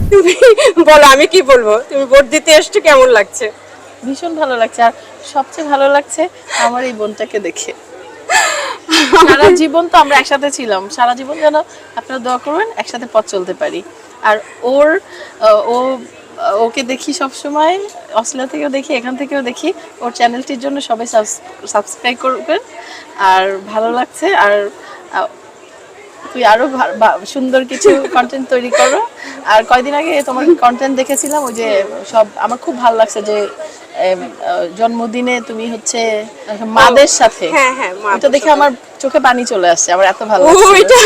তুমি বলো, আমি কি বলবো? তুমি ভোট দিতে এসছো, কেমন লাগছে? ভীষণ ভালো লাগছে। আর সবচেয়ে ভালো লাগছে আমার এই বোনটাকে দেখে। সারা জীবন তো আমরা একসাথে ছিলাম, সারা জীবন যেন আপনারা দোয়া করবেন একসাথে পথ চলতে পারি। আর ওর ও ওকে দেখি সব সময়, অস্ট্রেলিয়া থেকেও দেখি, এখান থেকেও দেখি। ওর চ্যানেলটির জন্য সবাই সাবস্ক্রাইব করবেন। আর ভালো লাগছে। আর তুই আরো সুন্দর কিছু কন্টেন্ট তৈরি করো। আর কয়দিন আগে তোমার কন্টেন্ট দেখেছিলাম, ওই যে সব আমার খুব ভালো লাগছে যে জন্মদিনে তুমি হচ্ছে মাদের সাথে, হ্যাঁ হ্যাঁ, ওটা দেখে আমার চোখে পানি চলে আসছে, আমার এত ভালো ও লাগছে। এটা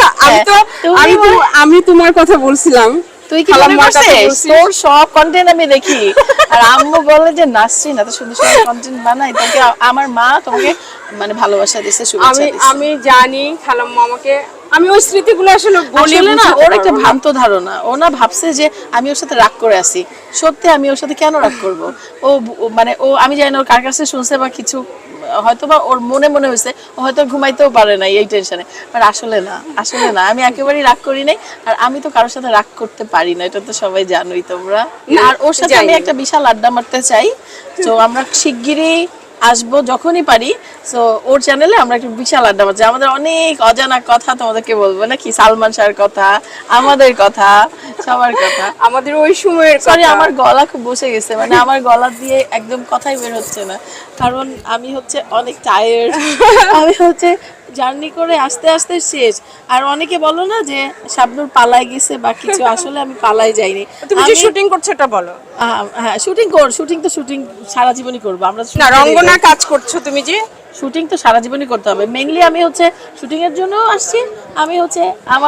আমি তোমার কথা বলছিলাম। তুই কি মনে করছিস তোর সব কন্টেন্ট আমি দেখি? আর আম্মু বলে যে নাসরিন এত সুন্দর সুন্দর কন্টেন্ট বানাই, তোকে আমার মা তোমাকে মানে ভালোবাসা দিয়েছে, শুভেচ্ছা দিয়েছে। আমি জানি খালাম্মা আমাকে, আমি ওই স্মৃতিগুলো আসলে বলি না। ওর একটা ভ্রান্ত ধারণা, ও না ভাবছে যে আমি ওর সাথে রাগ করে আছি। সত্যি আমি ওর সাথে কেন রাগ করব? মানে আমি জানি না ওর কার কাছে শুনছে বা কিছু, হয়তো বা ওর মনে মনে হয়েছে, ও হয়তো ঘুমাইতেও পারে না এই টেনশনে। বাট আসলে না, আমি একেবারেই রাগ করি নাই। আর আমি তো কারোর সাথে রাগ করতে পারি না, এটা তো সবাই জানোই তোমরা। আর ওর সাথে আমি একটা বিশাল আড্ডা মারতে চাই। তো আমরা শিগগিরই আসবো যখনই পারি। সো ওর চ্যানেলে আমরা একটা বিশাল আড্ডা মারছি, আমাদের অনেক অজানা কথা তোমাদেরকে বলবো, নাকি সালমান শাহর কথা, আমাদের কথা, সবার কথা, আমাদের ওই সময়ের সরি আমার গলা খুব বসে গেছে, মানে আমার গলা দিয়ে একদম কথাই বের হচ্ছে না, কারণ আমি হচ্ছে অনেক টায়ার্ড। আমি হচ্ছে জার্নি করে আস্তে আস্তে শেষ। আর অনেকে বলো না যে শাবনূর পালায় গেছে বা কিছু, আসলে আমি পালাই যাইনি। তুমি যে শুটিং করছো এটা বলো। হ্যাঁ শুটিং সারা জীবনই করবো আমরা। না, রঙ্গনা কাজ করছো তুমি যে, শুটিং তো সারা জীবনই করতে হবে। মেইনলি আমি হচ্ছে শুটিং এর জন্য আসছি। আমি হচ্ছে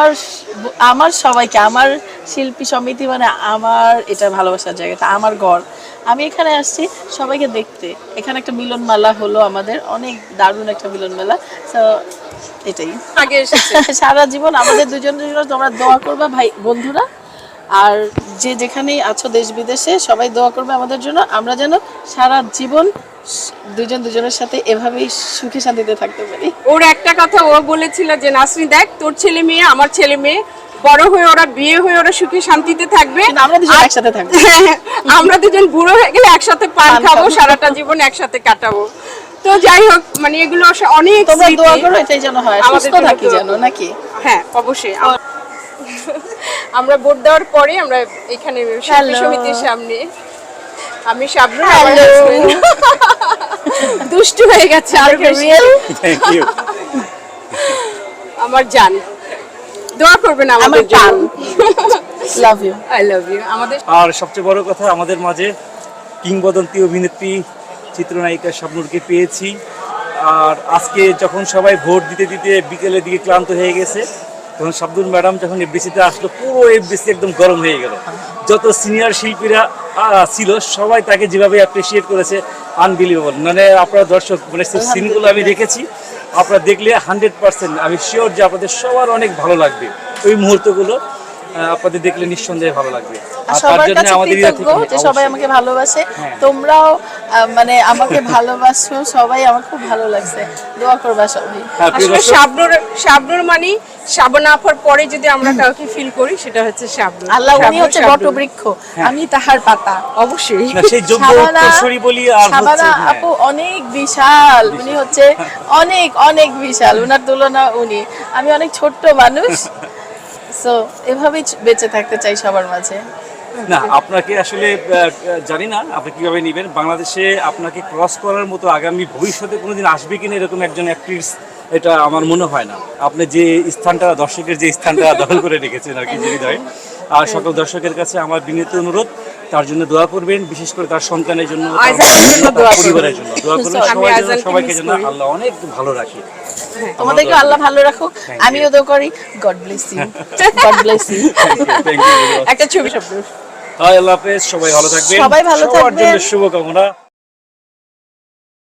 আমার সবাইকে, আমার শিল্পী সমিতি মানে আমার এটা ভালোবাসার জায়গাটা, আমার ঘর। আমি এখানে আসছি সবাইকে দেখতে। এখানে একটা মিলন মেলা হলো আমাদের, অনেক দারুণ একটা মিলন মেলা। তো এটাই আগে এসেছে। সারা জীবন আমাদের দুজনের জন্য তোমরা দোয়া করবা ভাই বন্ধুরা। আর যে যেখানেই আছো দেশ বিদেশে, সবাই দোয়া করবে আমাদের জন্য, আমরা যেন সারা জীবন দুজনের সাথে এভাবেই সুখে শান্তিতে থাকতে পারি। ওর একটা কথা ও বলেছিল যে নাসরিন দেখ, তোর ছেলে মেয়ে আমার ছেলে মেয়ে বড় হয়ে ওরা বিয়ে হয়ে ওরা সুখে শান্তিতে থাকবে, আমরা দুজন একসাথে থাকবো। আমরা দুজন বুড়ো হয়ে গেলে একসাথে পান খাবো, সারাটা জীবন একসাথে কাটাবো। তো যাই হোক, মানে এগুলো অনেক তোমরা দোয়া করো এটাই যেন হয়, সুস্থ থাকি যেন, নাকি? হ্যাঁ অবশ্যই। আমরা ভোট দেওয়ার পরে আমরা এখানে শিল্পী সমিতির সামনে, আমি শাবনূর, আমার হাজবেন্ড দুষ্টু হয়ে গেছে আর রিয়েল। Thank you. আমার জান, দোয়া করবেন আমাদের জন্য। Love you, I love you. আমাদের আর সবচেয়ে বড় কথা, আমাদের মাঝে কিংবদন্তি অভিনেত্রী চিত্রনায়িকা শাবনূরকে পেয়েছি। আর আজকে যখন সবাই ভোট দিতে দিতে বিকেলের দিকে ক্লান্ত হয়ে গেছে, তখন শাবনূর ম্যাডাম যখন এফবিসিতে আসলো, পুরো এফবিসি একদম গরম হয়ে গেল। যত সিনিয়র শিল্পীরা ছিল সবাই তাকে যেভাবে অ্যাপ্রিসিয়েট করেছে, আনবিলিভেবল। মানে আপনারা দর্শক, মানে সিনগুলো আমি দেখেছি, আপনারা দেখলে 100% আমি শিওর যে আপনাদের সবার অনেক ভালো লাগবে। ওই মুহূর্তগুলো আপনাদের দেখলে নিঃসন্দেহে ভালো লাগবে। আর তার জন্য আমাদের যে সবাই আমাকে ভালোবাসে, তোমরাও মানে আমাকে ভালোবাসো সবাই, আমার খুব ভালো লাগছে। দোয়া করবা সবাই। আসলে শাবনূর মানে শাবানা আপার পরে যদি আমরা কাউকে ফিল করি সেটা হচ্ছে শাবনূর। আল্লাহ উনি হচ্ছে বটবৃক্ষ, আমি তাহার পাতা। অবশ্যই সেই যোগ্য উত্তরসূরি বলি। আর শাবানা আপু অনেক বিশাল, উনি হচ্ছে অনেক অনেক বিশাল, উনার তুলনা উনি। আমি অনেক ছোট্ট মানুষ। সো এভাবেই বেঁচে থাকতে চাই সবার মাঝে। না, আপনাকে আসলে জানি না আপনি কিভাবে নেবেন। বাংলাদেশে আপনাকে ক্রস করার মতো আগামী ভবিষ্যতে কোনোদিন আসবে কিনা এরকম একজন অ্যাক্ট্রেস, এটা আমার মনে হয় না। আপনি যে স্থানটা, দর্শকের যে স্থানটা দখল করে রেখেছেন আর কি, হৃদয়ে। আর সকল দর্শকের কাছে আমার বিনীত অনুরোধ, তার জন্য দোয়া করবেন, বিশেষ করে তার সন্তানের জন্য, পরিবারের জন্য দোয়া করবেন। সবাইকে যেন আল্লাহ অনেক ভালো রাখে। তোমাদেরকে আল্লাহ ভালো রাখুক, আমিও দোয়া করি। God bless you, God bless you. একটা ছবি শাবনূর। আল্লাহ হাফেজ, সবাই ভালো থাকবেন, সবাই ভালো সবার জন্য থাকবেন। শুভকামনা।